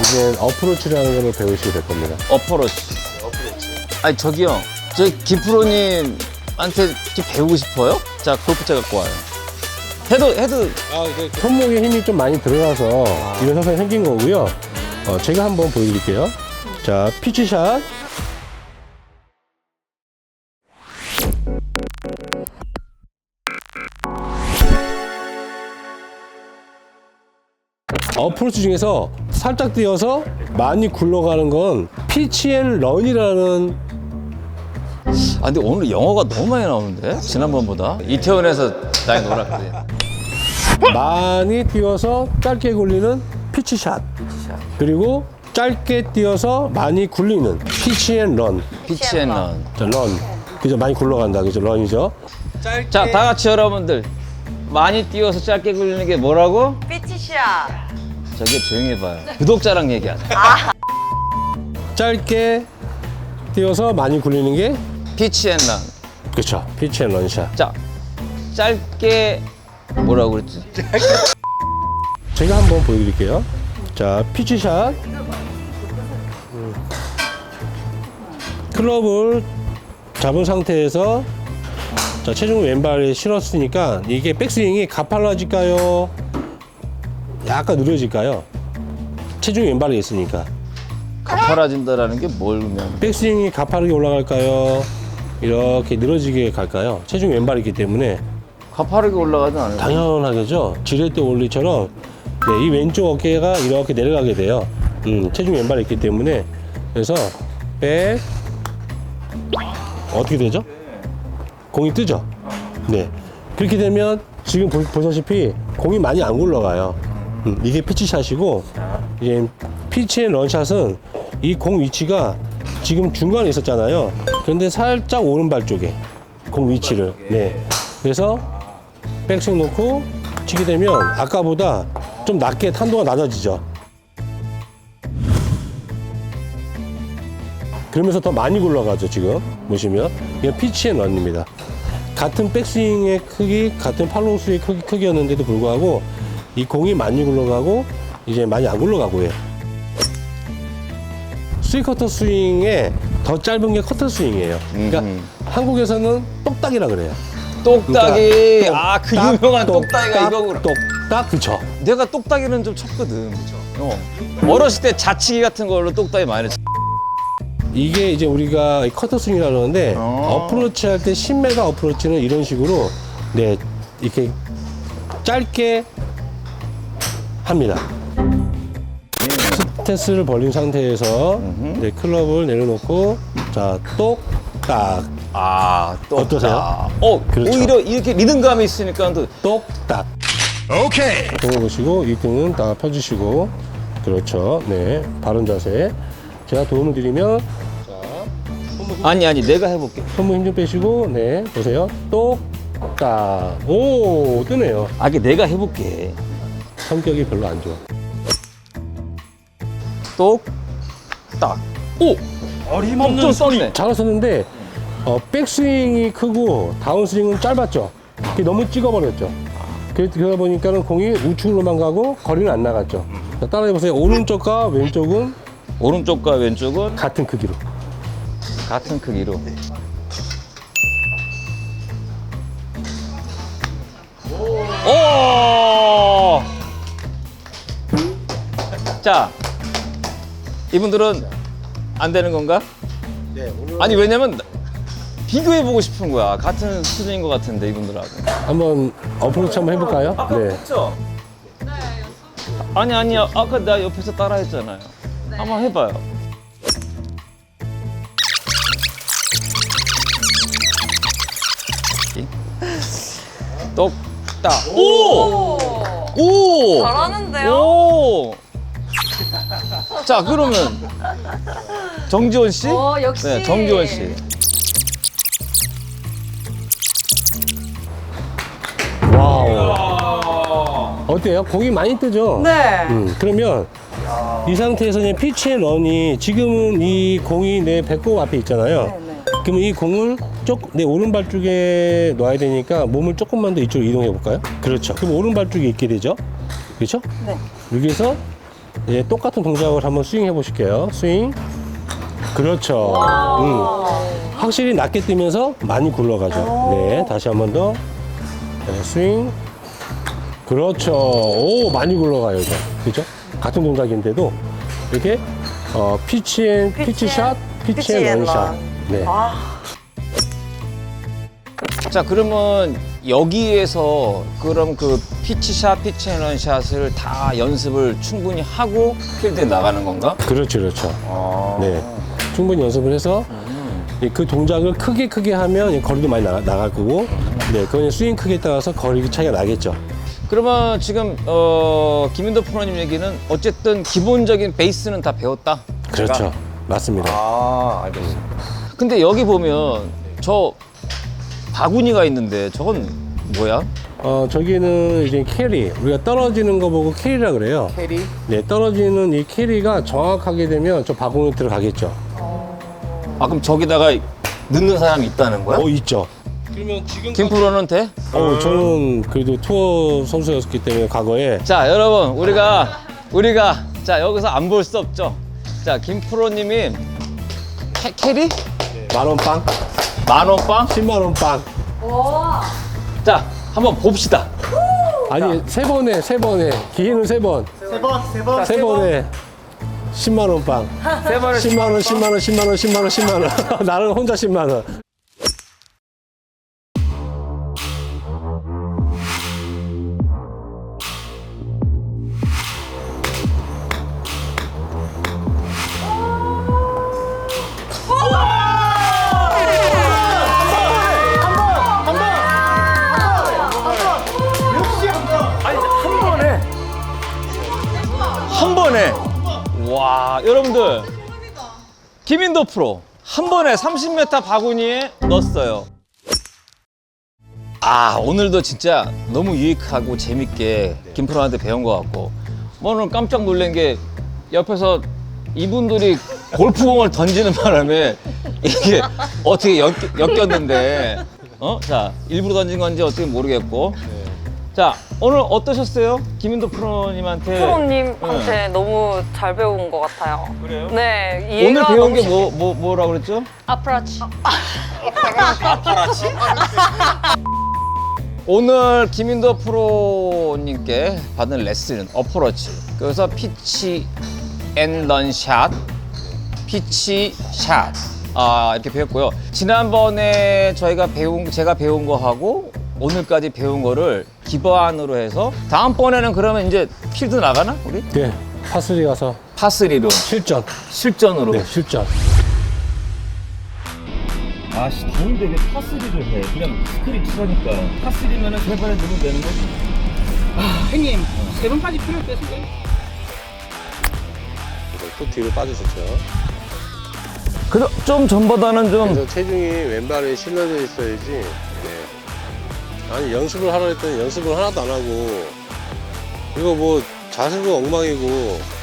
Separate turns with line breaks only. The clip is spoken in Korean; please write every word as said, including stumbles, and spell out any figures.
이제 어프로치라는 걸 배우시게 될 겁니다.
어퍼로치. 아니 저기요, 저 기프로님한테 좀 배우고 싶어요? 자, 골프채 갖고 와요. 헤드 헤드.
손목에 힘이 좀 많이 들어가서 이런 현상이 생긴 거고요. 어, 제가 한번 보여드릴게요. 자, 피치샷. 어프로치 중에서 살짝 뛰어서 많이 굴러가는 건 피치 앤 런이라는.
아 근데 오늘 영어가 너무 많이 나오는데 지난번보다. 이태원에서 많이 놀았거든.
많이 뛰어서 짧게 굴리는 피치샷. 그리고 짧게 뛰어서 많이 굴리는 피치 앤 런.
피치 앤 런.
자, 런. 그죠? 많이 굴러간다. 그죠? 런이죠?
자, 다 같이 여러분들 많이 뛰어서 짧게 굴리는 게 뭐라고?
피치샷.
저기 조용히 해봐요. 구독자랑 얘기하자.
짧게 뛰어서 많이 굴리는 게
피치 앤 런.
그렇죠. 피치 앤 런샷.
자, 짧게 뭐라고 그랬지?
제가 한번 보여드릴게요. 자, 피치샷. 음. 클럽을 잡은 상태에서 자, 체중을 왼발에 실었으니까 이게 백스윙이 가팔라질까요? 약간 느려질까요? 체중이 왼발에 있으니까.
가파라진다라는 게 뭘 의미하는?
백스윙이 가파르게 올라갈까요? 이렇게 늘어지게 갈까요? 체중이 왼발에 있기 때문에
가파르게 올라가진 않아요.
당연하겠죠. 지렛대 올리처럼 네, 이 왼쪽 어깨가 이렇게 내려가게 돼요. 음, 체중이 왼발에 있기 때문에. 그래서 백 어떻게 되죠? 공이 뜨죠? 네. 그렇게 되면 지금 보, 보시다시피 공이 많이 안 굴러가요. 음, 이게 피치샷이고, 이제 피치 앤 런샷은 이 공 위치가 지금 중간에 있었잖아요. 그런데 살짝 오른발 쪽에 공 위치를. 네. 그래서 백스윙 놓고 치게 되면 아까보다 좀 낮게 탄도가 낮아지죠. 그러면서 더 많이 굴러가죠. 지금 보시면 이게 피치 앤 런입니다. 같은 백스윙의 크기, 같은 팔로우스의 크기, 크기였는데도 불구하고 이 공이 많이 굴러가고 이제 많이 안 굴러가고 해요. 스리 커터 스윙에 더 짧은 게 커터 스윙이에요. 그러니까
음흠.
한국에서는 똑딱이라 그래요.
똑딱이.
그러니까
아, 그
똑딱,
유명한
똑딱,
똑딱이가 이거구나.
똑딱, 그쵸.
내가 똑딱이는 좀 쳤거든. 어. 어렸을 때 자치기 같은 걸로 똑딱이 많이 쳤.
이게 이제 우리가 커터 스윙이라고 그러는데
어.
어프로치 할 때 십 미터 어프로치는 이런 식으로 네 이렇게 짧게 합니다. 스탠스를 벌린 상태에서 네, 클럽을 내려놓고 자 똑딱
아, 똑딱.
어떠세요?
어,
그렇죠.
오히려 이렇게 리듬감이 있으니까 또
똑딱. 오케이. 등을 보시고 이 등은 다 펴주시고 그렇죠. 네, 바른 자세. 제가 도움을 드리면
아니 아니 내가 해볼게.
손목 힘 좀 빼시고 네 보세요. 똑딱. 오 뜨네요.
아, 이게 내가 해볼게.
성격이 별로 안 좋아.
똑딱. 오, 어림없는 썼네.
잘하셨는데 어, 백스윙이 크고 다운스윙은 짧았죠. 그게 너무 찍어버렸죠. 그래- 그러다 보니까는 공이 우측으로만 가고 거리는 안 나갔죠. 자, 따라해보세요. 오른쪽과 왼쪽은
오른쪽과 왼쪽은
같은 크기로.
같은 크기로. 오! 자, 이분들은 안 되는 건가?
네,
아니 왜냐면 비교해 보고 싶은 거야. 같은 수준인 것 같은데 이분들하고.
한번 어프로치 한번 해볼까요? 네.
그렇죠? 아니 아니 아까 나 옆에서 따라했잖아요. 한번 해봐요. 똑딱. 오! 오!
잘하는데요?
오! 자, 그러면 정지원 씨?
어, 역시.
네, 정지원 씨.
와우. 어때요? 공이 많이 뜨죠?
네.
음, 그러면 이 상태에서 이제 피치 앤 런이 지금은 이 공이 내 배꼽 앞에 있잖아요.
네, 네.
그러면 이 공을 쪽, 내 오른발 쪽에 놔야 되니까 몸을 조금만 더 이쪽으로 이동해 볼까요? 그렇죠. 그럼 오른발 쪽에 있게 되죠? 그렇죠?
네.
여기서 이제 똑같은 동작을 한번 스윙 해보실게요. 스윙. 그렇죠. 음. 확실히 낮게 뛰면서 많이 굴러가죠. 네, 다시 한 번 더. 네, 스윙. 그렇죠. 오, 많이 굴러가요, 이제. 그죠? 같은 동작인데도 이렇게 어, 피치 앤 피치 샷, 피치 앤 런샷. 네.
자, 그러면 여기에서 그럼 그 피치샷, 피치앤런샷을 다 연습을 충분히 하고 필드에 나가는 건가?
그렇죠, 그렇죠.
아.
네. 충분히 연습을 해서 예, 그 동작을 크게 크게 하면 예, 거리도 많이 나가, 나갈 거고, 네, 그건 스윙 크기에 따라서 거리 차이가 나겠죠.
그러면 지금 어, 김인도 프로님 얘기는 어쨌든 기본적인 베이스는 다 배웠다.
그렇죠. 맞습니다.
아, 알겠습니다. 근데 여기 보면 저 바구니가 있는데 저건 뭐야?
어, 저기는 이제 캐리. 우리가 떨어지는 거 보고 캐리라 그래요.
캐리?
네, 떨어지는 이 캐리가 정확하게 되면 저 바구니 들어가겠죠.
아, 그럼 저기다가 넣는 사람이 있다는 거야?
어, 있죠. 그러면 지금
김 프로는 돼?
어, 저는 그래도 투어 선수였기 때문에 과거에
자, 여러분, 우리가 우리가 자 여기서 안 볼 수 없죠. 자, 김 프로님이 캐, 캐리?
만원 빵,
만원 빵?
십만 원 빵.
자, 한번 봅시다.
아니, 세 번에, 세 번에. 기회는 세 번.
세 번, 세 번.
세 번에 십만 원 빵.
세 번을
십만 원, 십만 원, 십만 원, 십만 원, 십만 원. 나는 혼자 십만 원.
한 번에. 와, 여러분들. 김인도 프로 한 번에 삼십 미터 바구니에 넣었어요. 아, 오늘도 진짜 너무 유익하고 재밌게 김 프로한테 배운 것 같고, 뭐 오늘 깜짝 놀란 게 옆에서 이분들이 골프공을 던지는 바람에 이게 어떻게 엮, 였는데 어? 자, 일부러 던진 건지 어떻게 모르겠고. 자, 오늘 어떠셨어요? 김인도 프로님한테.
프로님한테 너무 잘 배운 것 같아요.
그래요?
네,
오늘
이해가
배운
너무
게
쉽-
뭐, 뭐, 뭐라고 그랬죠?
아프라치.
오늘 김인도 프로님께 받은 레슨은 어프로치. 그래서 피치 앤 런샷, 피치 샷. 아, 이렇게 배웠고요. 지난번에 저희가 배운, 제가 배운 거 하고 오늘까지 배운 거를 기반으로 해서 다음번에는 그러면 이제 필드 나가나? 우리?
네, 파스리 가서
파스리로
실전.
실전으로.
네, 실전.
아씨, 더운데 왜 파스리를 해? 그냥 스크린 치라니까. 파스리면은 세 번에 넣으면 되는 거지?
형님, 세 번까지 필요 없으세요?
또 뒤로 빠지셨죠.
그래도 좀 전보다는 좀.
그래서 체중이 왼발에 실려져 있어야지. 네. 아니, 연습을 하라 했더니 연습을 하나도 안 하고, 이거 뭐 자세도 엉망이고,